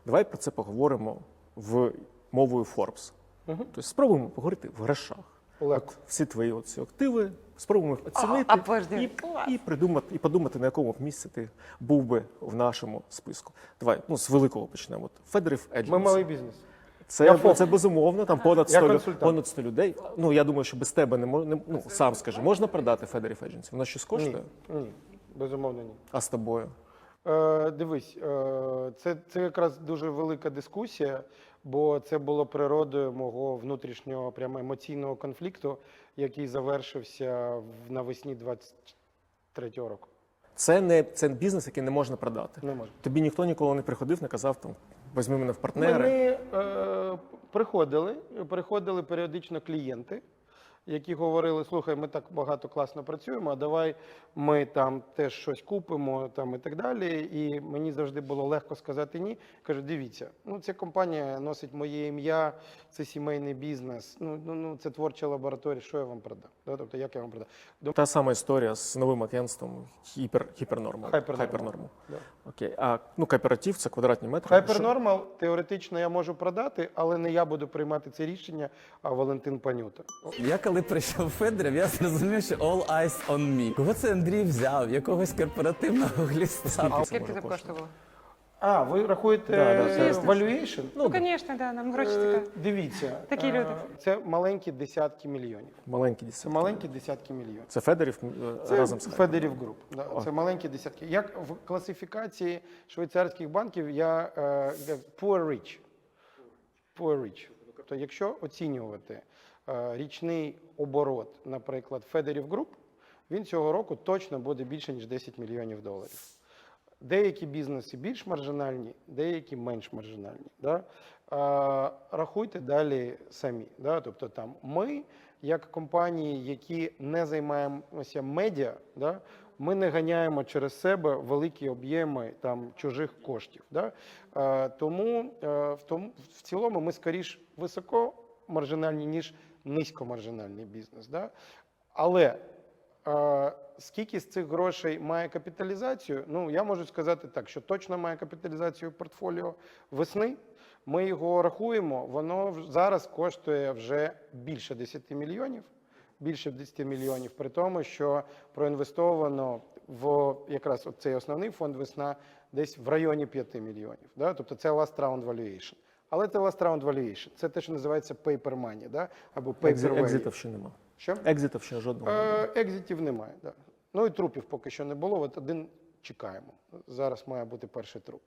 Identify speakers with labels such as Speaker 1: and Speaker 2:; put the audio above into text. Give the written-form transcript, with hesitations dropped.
Speaker 1: Давай про це поговоримо мовою Forbes. Тобто спробуємо поговорити в грошах. От всі твої ці активи, спробуємо їх оцінити і подумати, на якому б місці ти був би в нашому списку. Давай, з великого почнемо. Federiv Agency.
Speaker 2: Ми малий бізнес.
Speaker 1: Це безумовно, там понад 100 людей. Я думаю, що без тебе сам скажи, можна продати Federiv Agency? Воно щось коштує?
Speaker 2: Ні, безумовно ні.
Speaker 1: А з тобою?
Speaker 2: Дивись, це якраз дуже велика дискусія, бо це було природою мого внутрішнього прямо емоційного конфлікту, який завершився навесні 23-го року.
Speaker 1: Це бізнес, який не можна продати?
Speaker 2: Не можна.
Speaker 1: Тобі ніхто ніколи не приходив, не казав, візьми мене в партнери?
Speaker 2: Приходили періодично клієнти, які говорили, слухай, ми так багато класно працюємо, а давай ми там теж щось купимо і так далі. І мені завжди було легко сказати ні. Кажу, дивіться, ця компанія носить моє ім'я, це сімейний бізнес, це творча лабораторія, що я вам продам? Тобто, як я вам продам?
Speaker 1: Та сама історія з новим агентством Hypernormal.
Speaker 2: Hypernormal. Да.
Speaker 1: Окей. А кооператив – це квадратні метри?
Speaker 2: Hypernormal теоретично я можу продати, але не я буду приймати це рішення, а Валентин Панюта.
Speaker 3: Я коли прийшов Федерів, я зрозумів, що all eyes on me. Кого це Андрій взяв? Якогось корпоративного гліста?
Speaker 4: А скільки це коштувало?
Speaker 2: Ви рахуєте valuation?
Speaker 4: Звісно, нам гроші така.
Speaker 2: Дивіться,
Speaker 4: Такі люди.
Speaker 2: Це маленькі десятки мільйонів.
Speaker 1: Маленькі
Speaker 2: Маленькі десятки мільйонів.
Speaker 1: Це Федерів разом з
Speaker 2: Federiv Group. Це маленькі десятки. Як в класифікації швейцарських банків, я poor rich. Poor rich. Тобто, якщо оцінювати річний оборот, наприклад, Federiv Group, він цього року точно буде більше, ніж 10 мільйонів доларів. Деякі бізнеси більш маржинальні, деякі менш маржинальні. Да? Рахуйте далі самі. Да? Тобто там ми, як компанії, які не займаємося медіа, да? Ми не ганяємо через себе великі об'єми чужих коштів. Да? Тому в цілому ми скоріш високомаржинальні, ніж низькомаржинальний бізнес. Да? Але скільки з цих грошей має капіталізацію? Я можу сказати так, що точно має капіталізацію портфоліо весни. Ми його рахуємо, воно зараз коштує вже більше 10 мільйонів. Більше 10 мільйонів, при тому, що проінвестовано в якраз цей основний фонд «Весна» десь в районі 5 мільйонів. Да? Тобто це last round valuation. Але це last round valuation. Це те, що називається paper money, да? Або paper value.
Speaker 1: Екзитів ще нема.
Speaker 2: Що?
Speaker 1: Екзитів ще жодного.
Speaker 2: Екзитів немає, да. І трупів поки що не було. Один чекаємо. Зараз має бути перший труп.